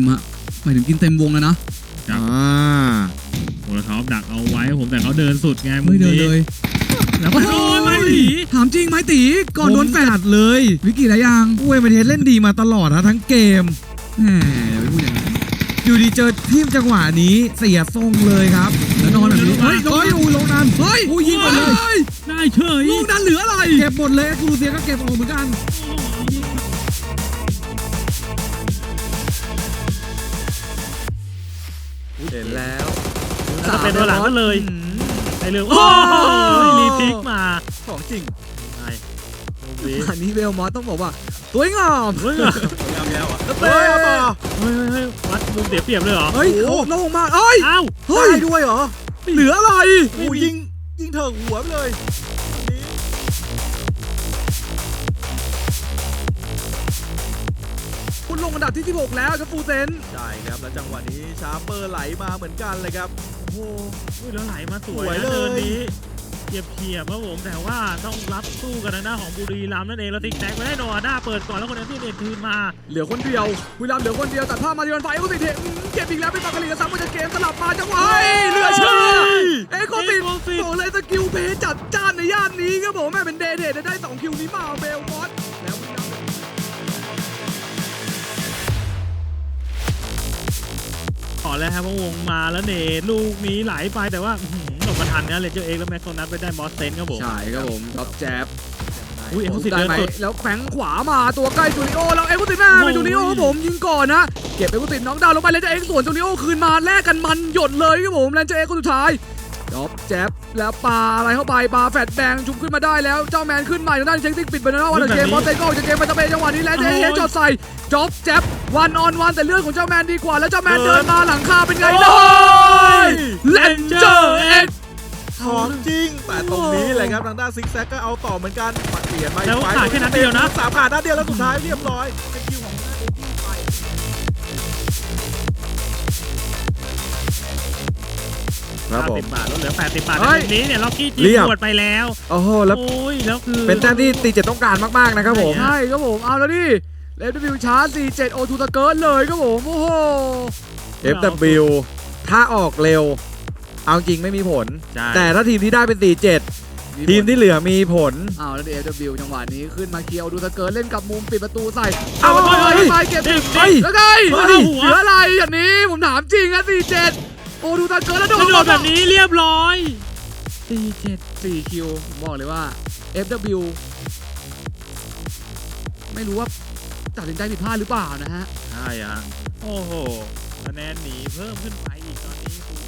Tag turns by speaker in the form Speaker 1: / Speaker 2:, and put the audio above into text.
Speaker 1: หมายถึงกินเต็มวงแล้วนะ
Speaker 2: โมโลทอฟดักเอาไว้ผมแต่เขาเดินสุดไง
Speaker 1: ไม่เดินเลย
Speaker 2: แล้วก็โดนไม่ตี
Speaker 1: ถามจริงไหมตีก่อนโดนแฟดเลยวิกกี้อะไรยัง
Speaker 3: เว้ยมันเล่นดีมาตลอดนะทั้งเกม
Speaker 1: แหมอย่าไปพูดอย่างนั้น
Speaker 3: อยู่ดีเจอทีมจังหวะนี้เสียทรงเลยครับ
Speaker 1: แล้วนอนแบบนี้
Speaker 3: เฮ้ยลงนั้น
Speaker 1: เฮ้ย
Speaker 3: ยิงไปเลย
Speaker 2: ได้เฉย
Speaker 1: ลูกนั้นเหลืออะไร
Speaker 3: เก็บหมดเลยกูรูเซียก็เก็บออกเหมือนกันเห็นแล้ว
Speaker 2: จะเป็นตัวหลังก็เลยไอเรื่องโอ้ยรีพิกมา
Speaker 3: ของจริง
Speaker 1: อันนี้เวลมอสต้องบอกว่าสวยงาม
Speaker 3: แล้วอ่ะ
Speaker 2: เฮ้ยวัดมุมเสียเปรียบเลยเหรอ
Speaker 1: เฮ้ยโล่งมากเฮ้ย
Speaker 3: ได้ด้วยเหรอ
Speaker 1: เหลืออะไร
Speaker 3: ยิงเถิงหัวเลย
Speaker 1: คุณลงอันดับที่16แล้วครับฟูเซน
Speaker 3: ใช่ครับแล้วจังหวะนี้ชาร์เปอร์ไหลมาเหมือนกันเลยครับ
Speaker 2: โอ้ยแล้วไหลมาสวยนะเดินนี้เฉียบครับผมแต่ว่าต้องรับสู้กันทางหน้าของบุรีรัมย์นั่นเองแล้วติ๊กแท็กไปได้โนอาด้าเปิดก่อนแล้วคนนั้นที่เด็ดคืนมา
Speaker 1: เหลือคนเดียวบุรีรัมย์เหลือคนเดียวตัดภาพมาที่วันไฟเอ็กโคติเก็บอีกแล้วเป็นปากกาลีกับซ้ำมาจากเกมสลับมาจังหวะเหลือเชื่อเอ็กโคติโอ้เลยสกิลเพย์จัดจ้านในย่านนี้ครับผมแม่เป็นเดทได้2คิวนี้มาเบลมอสแล้ว
Speaker 2: ขอแล้วครับว่าวงมาแล้วเนทลูกนี้ไหลไปแต่ว่าหลบมาทันนะเลเจอร์เอ็กแล้วแม็กโซนัทไปได้มอสเซนครับผม
Speaker 1: ใช่ครับผมท็อปแจ๊บ
Speaker 2: อุ้ยเอ็กซ์ติดเดินสุด
Speaker 1: แล้วแฝงขวามาตัวใกล้จูริโอแล้วเอ็กซ์ติดหน้าเป็นจูริโอครับผมยิงก่อนนะเก็บเอ็กซ์ติดน็อกดาวน์ลงไปเลเจอร์เอ็กส่วนจูริโอคืนมาแลกกันมันหยดเลยครับผมเลเจอร์เอ็กคนสุดท้ายท็อปแจ๊บแล้วปาอะไรเข้าไปปาแฟดแดงชุบขึ้นมาได้แล้วเจ้าแมนขึ้นใหม่ทางด้านเช็คติ้งปิดไปแล้ววันเกมมอสเซนก็ออกจากเกมไปจะเป็นจังหวะนี้แล้วเจเฮจอดใส่จ็อบแจ๊บวันออนวันแต่เลือดของเจ้าแมนดีกว่าแล้วเจ้าแมนเดินมาหลังคาเป็นไงได้เลนเจอร์เอ็ก
Speaker 3: ของจริงแต่ตรงนี้เลยครับทางด้านซิกแซกก็เอาต่อเหมือนกันปัดเปลี่ยนมา
Speaker 2: แล้วขาดแค่นัดเดียวนะ
Speaker 3: 3ขาดนัดเดียวแล้วสุดท้ายเรียบร้อยเป็นคิวของ
Speaker 2: ครับผม80 บาทแล้วเหลือ80 บาทในนี้เนี่ยล็อกกี้จีหมดไปแล้ว
Speaker 3: โอ้โหแล้ว
Speaker 2: คือ
Speaker 3: เป็นแต้มที่ตีเจ็ดต้องการมากๆนะครับผม
Speaker 1: ใช่ครับผมเอาแล้วดิFW ชาร์จ47 O2 ตะเกิร์ดเลยครับผมโอ้โห
Speaker 3: FW ถ้าออกเร็วเอาจริงไม่มีผลแต่ถ้าทีมที่ได้เป็น47ทีมที่เหลือมีผล
Speaker 1: แล้ว FW จังหวะนี้ขึ้นมาเคียวดูตะเกิร์ดเล่นกับมุมปิดประตูใส่ไปเก็บแล้วไงเหลืออะไรอย่างนี้ผมถามจริงนะ47โอ้ดูตะเกิร์ดแล้วโด
Speaker 2: นแบบนี้เรียบร้อย
Speaker 1: 4คิวผมบอกเลยว่า FW ไม่รู้ว่าตัดสินใจผิดพลาดหรือเปล่านะฮะ
Speaker 2: ใช่ฮะโอ้โหคะแนนหนีเพิ่มขึ้นไปอีกตอนนี้